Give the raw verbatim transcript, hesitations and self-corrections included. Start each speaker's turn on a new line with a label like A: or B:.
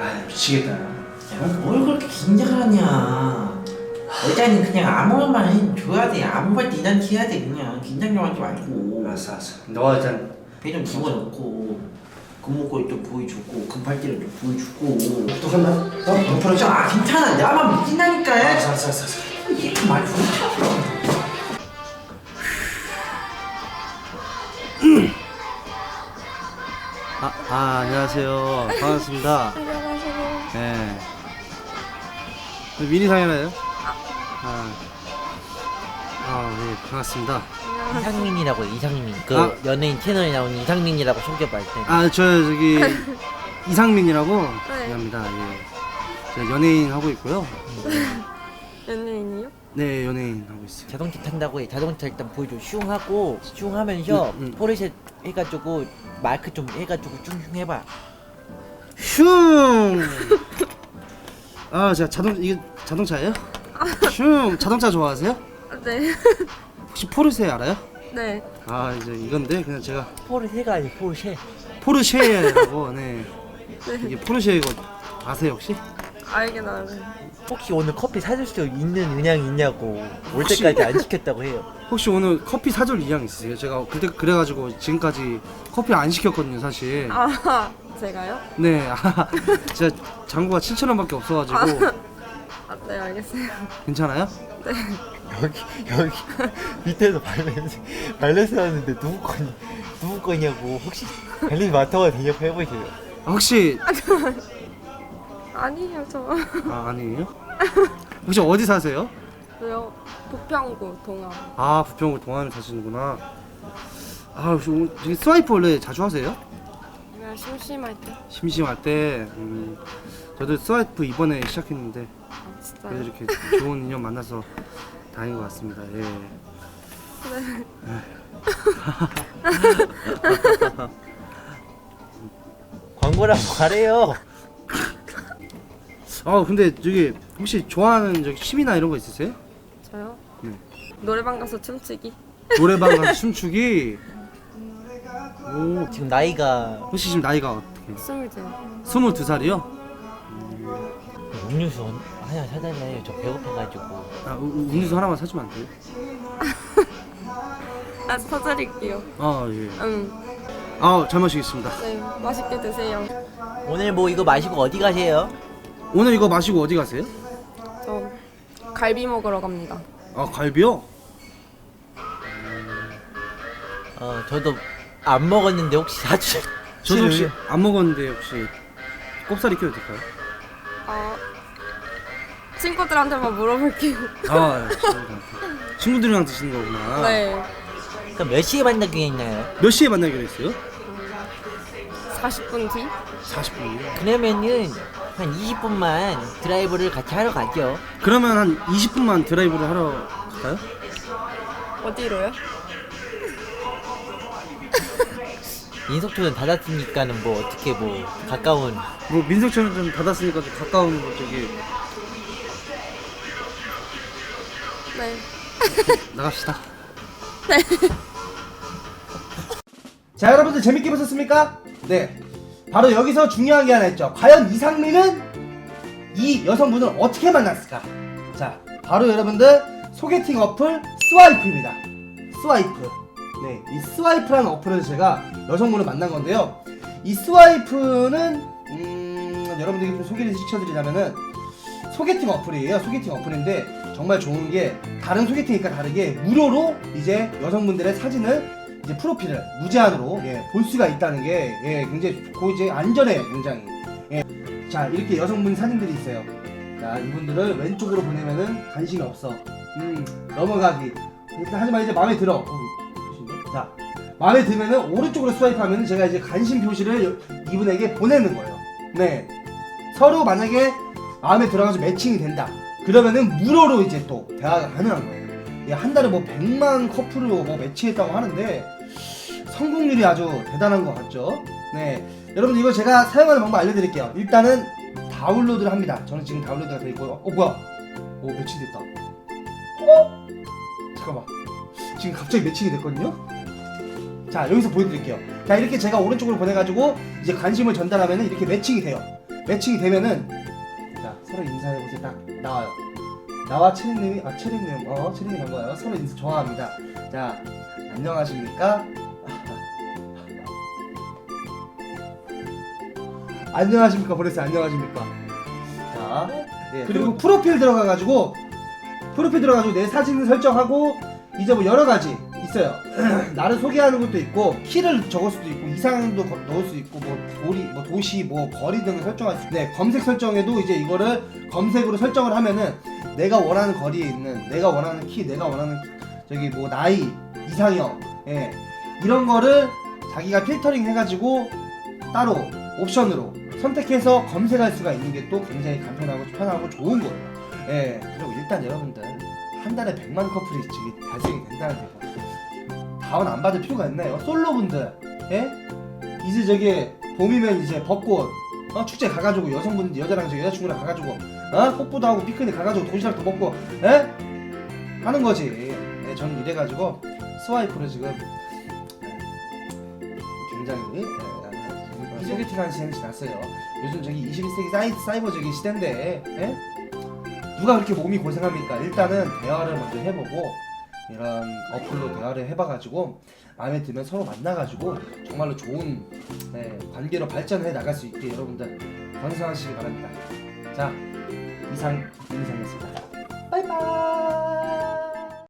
A: 아 미치겠다.
B: 야, 뭘 그렇게 긴장을 하냐. 여자는 그냥 아무것만 해줘야 돼. 아무 말도 이단티 해야 돼. 그냥 긴장 좀 하지 말고.
A: 알았어 알았어. 너가 일단
B: 배 좀 집어넣고 금목걸이 좀 보여주고 금팔찌를 좀 보여주고.
A: 또 한다. 너
B: 옆으로 좀. 아 괜찮아. 나만 믿긴다니까.
A: 알았어 알았어 알았어.
B: 이렇게 말 좋다.
C: 아, 아 안녕하세요. 반갑습니다.
D: 안녕하세요.
C: 네. 미니상이나요? 아, 아, 네, 반갑습니다.
E: 이상민이라고 이상민 그
C: 아.
E: 연예인 채널에 나오는 이상민이라고 소개할 때
C: 아, 저 저기 이상민이라고
D: 네.
C: 합니다. 예. 제가 연예인 하고 있고요.
D: 연예인이요?
C: 네, 연예인 하고 있어요.
E: 자동차 탄다고 해. 자동차 일단 보여줘. 슝 하고 슝 하면서
C: 음, 음.
E: 포르쉐 해가지고 마이크 좀 해가지고 슝슝 해봐.
C: 슝. 아, 제가 자동 이게 자동차예요? 슝. 자동차 좋아하세요?
D: 네.
C: 혹시 포르쉐 알아요?
D: 네.
C: 아, 이제 이건데 그냥 제가
E: 포르쉐가 아니 포르쉐.
C: 포르쉐라고 네. 이게 포르쉐 이거 아세요 혹시?
D: 알긴 알아요.
E: 혹시 오늘 커피 사줄 수 있는 은양이 있냐고 올
C: 혹시-
E: 때까지 안 시켰다고 해요.
C: 혹시 오늘 커피 사줄 의향 있으세요? 제가 그때 그래가지고 지금까지 커피 안 시켰거든요 사실.
D: 아, 제가요?
C: 네, 아, 제가 잔고가 칠천 원밖에 없어가지고
D: 아, 네, 알겠어요.
C: 괜찮아요?
E: 여기 여기 밑에서 발레스 발레스 하는데 누구 거니 누구 거냐고 혹시 발레스 맡아가 되냐고 해보세요.
C: 아, 혹시
D: 아니에요, 저.
C: 아 아니에요? 혹시 어디 사세요?
D: 저요? 부평구 동암.
C: 아 부평구 동안에 사시는구나. 아 혹시 오늘 저기 스와이프 원래 자주 하세요?
D: 그냥 심심할 때.
C: 심심할 때. 음, 저도 스와이프 이번에 시작했는데
D: 아,
C: 그래도
D: 진짜요?
C: 이렇게 좋은 인연 만나서 다행인 것 같습니다. 예.
E: 광고라고 가래요.
C: 아 근데 저기 혹시 좋아하는 저기 취미나 이런 거 있으세요?
D: 저요?
C: 네.
D: 노래방 가서 춤추기?
C: 노래방 가서 춤추기. 오,
E: 지금 나이가
C: 혹시 지금 나이가 어떻게?
D: 스물둘.
C: 스물두 살이요?
E: 음료수 하나 사달래요. 저 배고파가지고.
C: 아, 우- 음료수 하나만 사주면 안 돼요?
D: 아, 사드릴게요.
C: 아 예.
D: 응.
C: 아 잘 마시겠습니다.
D: 네, 맛있게 드세요.
E: 오늘 뭐 이거 마시고 어디 가세요?
C: 오늘 이거 마시고 어디 가세요?
D: 저 갈비 먹으러 갑니다.
C: 아 갈비요?
E: 어 저도 안 먹었는데 혹시 사주.
C: 저도 혹시 안 먹었는데 혹시 꼽사리 껴도 될까요?
D: 아, 친구들한테만 물어볼게요.
C: 아 친구들한테. 친구들이랑 드시는 거구나.
D: 네.
E: 그럼 몇 시에 만나기로 했나요?
C: 몇 시에 만나기로 했어요?
D: 사십 분 뒤?
C: 사십 분이요.
E: 그러면은 한 이십 분만 드라이브를 같이 하러 가죠.
C: 그러면 한 이십 분만 드라이브를 하러 갈까요?
D: 어디로요?
E: 인석초는 닫았으니까는 뭐 어떻게 뭐 가까운
C: 뭐 민속촌은 좀 닫았으니까 좀 가까운 뭐 저기
D: 네.
C: 나갑시다. 자 여러분들 재밌게 보셨습니까? 네. 바로 여기서 중요한 게 하나 있죠. 과연 이상민은 이 여성분을 어떻게 만났을까? 자, 바로 여러분들 소개팅 어플 스와이프입니다. 스와이프. 네, 이 스와이프라는 어플에서 제가 여성분을 만난 건데요. 이 스와이프는 음, 여러분들에게 좀 소개를 시켜드리자면은 소개팅 어플이에요. 소개팅 어플인데 정말 좋은 게 다른 소개팅이니까 다르게 무료로 이제 여성분들의 사진을 이제 프로필을 무제한으로 예, 볼 수가 있다는 게 예, 굉장히 좋고 이제 안전해요, 굉장히. 예. 자, 이렇게 여성분 사진들이 있어요. 자, 이분들을 왼쪽으로 보내면은 관심이 없어. 음, 넘어가기. 하지만 이제 마음에 들어. 어, 표시인데? 자, 마음에 들면은 오른쪽으로 스와이프하면은 제가 이제 관심 표시를 이분에게 보내는 거예요. 네. 서로 만약에 마음에 들어가서 매칭이 된다. 그러면은 무료로 이제 또 대화가 가능한 거예요. 예, 한 달에 뭐 백만 커플로 뭐 매치했다고 하는데 성공률이 아주 대단한 것 같죠? 네, 여러분 이거 제가 사용하는 방법 알려드릴게요. 일단은 다운로드를 합니다. 저는 지금 다운로드가 돼 있고요. 어 뭐야? 오 매칭됐다. 어? 잠깐만. 지금 갑자기 매칭이 됐거든요. 자 여기서 보여드릴게요. 자 이렇게 제가 오른쪽으로 보내가지고 이제 관심을 전달하면 이렇게 매칭이 돼요. 매칭이 되면은 자 서로 인사해보세요. 딱 나와요. 나와 체리님이 아 체리님 어 체리님 반가워요. 서로 인사 좋아합니다. 자 안녕하십니까? 안녕하십니까 보냈어요. 안녕하십니까? 자 예, 그리고 프로필 들어가가지고 프로필 들어가지고 내 사진을 설정하고 이제 뭐 여러 가지 있어요. 나를 소개하는 것도 있고 키를 적을 수도 있고 이상도 거- 넣을 수 있고 뭐 도리 뭐 도시 뭐 거리 등을 설정할 수 있고 네 검색 설정에도 이제 이거를 검색으로 설정을 하면은 내가 원하는 거리에 있는 내가 원하는 키 내가 원하는 저기 뭐 나이 이상형 예 이런 거를 자기가 필터링 해가지고 따로 옵션으로 선택해서 검색할 수가 있는 게 또 굉장히 간편하고 편하고 좋은 거예요. 예 그리고 일단 여러분들 한 달에 백만 커플이 저기 발생이 된다는 게 다운 안 받을 필요가 있나요? 솔로분들 예 이제 저기 봄이면 이제 벚꽃 어 축제 가가지고 여성분 여자랑 저 여자친구랑 가가지고 어 뽀뽀도 하고 피크닉 가가지고 도시락도 먹고 예 하는 거지. 예, 저는 이래가지고 스와이프로 지금 예, 굉장히 예, 소개팅하는 시간이 지났어요. 요즘 저기 이십일 세기 사이, 사이버 저기 시대인데 예? 누가 그렇게 몸이 고생합니까? 일단은 대화를 먼저 해보고 이런 어플로 대화를 해봐가지고 마음에 들면 서로 만나가지고 정말로 좋은 네, 관계로 발전해 나갈 수 있게 여러분들 건강하시기 바랍니다. 자 이상 민상이었습니다. 바이바이.